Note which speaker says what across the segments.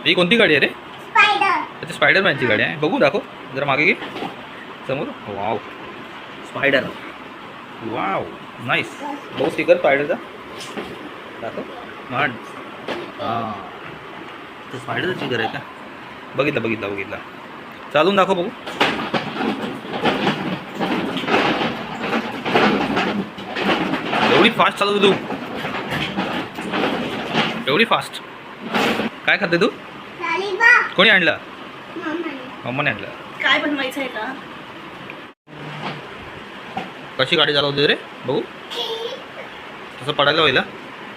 Speaker 1: ही कोणती गाडी आहे रे?
Speaker 2: स्पायडर.
Speaker 1: अच्छा, स्पायडरमॅनची गाडी आहे. बघू, दाखव जरा मागे घे समोर. Wow, spider. Wow, nice. बघू स्टिकर स्पायडरचा दाखव. मान हां, ते स्पायडरचं स्टिकर आहे का? बघितला. चालून दाखव बघू. एवढी फास्ट चालवतो तू? एवढी फास्ट? काय खाते तू?
Speaker 2: लॉलीपॉप.
Speaker 1: कोणी आणलं?
Speaker 2: मम्माने.
Speaker 1: मम्माने आणलं.
Speaker 3: काय बनवायचं आहे का?
Speaker 1: कशी गाडी चालवते रे? बघू. तसं पडायला होईल हा?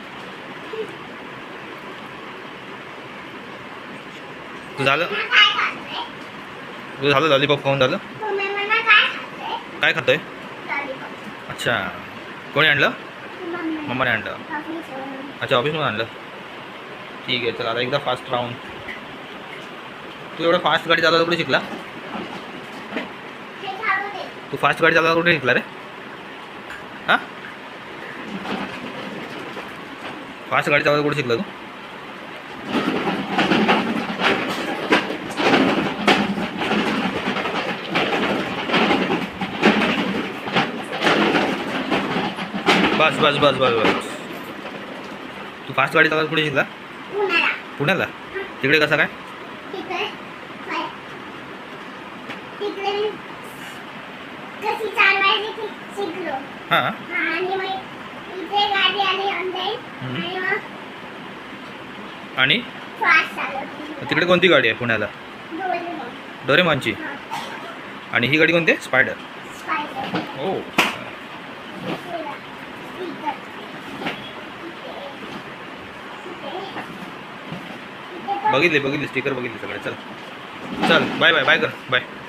Speaker 1: तू झालं?
Speaker 2: काय खाते?
Speaker 1: तुझं झालं लॉलीपॉप खाऊन झालं?
Speaker 2: तुम्ही मला काय खाते?
Speaker 1: काय खातोय?
Speaker 2: लॉलीपॉप.
Speaker 1: अच्छा, कोणी आणलं?
Speaker 2: मम्माने.
Speaker 1: मम्माने आणलं.
Speaker 2: ऑफिसवरून.
Speaker 1: अच्छा, ऑफिसमधून आणलं. ठीक आहे, चला आता एकदा फास्ट राहून. तू एवढं फास्ट गाडी चालवायला कुठे शिकला?
Speaker 2: हे खाऊ दे.
Speaker 1: तू फास्ट गाडी चालवायला कुठे शिकला रे? हां, फास्ट गाडी चालवायला कुठे शिकला तू? बस. तू फास्ट गाडी चालवायला कुठे शिकला?
Speaker 2: पुण्याला.
Speaker 1: पुण्याला? तिकडे कसं काय?
Speaker 2: तिकडे तिकडे कशी चालवायची ती शिकलो.
Speaker 1: हां.
Speaker 2: आणि मग इथे गाडी आली ऑनलाईन आणि मग
Speaker 1: आणि
Speaker 2: फास्ट चालवते.
Speaker 1: तिकडे कोणती गाडी आहे पुण्याला?
Speaker 2: डोरेमॉन.
Speaker 1: डोरेमॉनची. आणि ही गाडी कोणती आहे? स्पायडर.
Speaker 2: स्पायडर.
Speaker 1: ओ, बघितले स्टिकर बघितले सगळे. चल बाय कर बाय.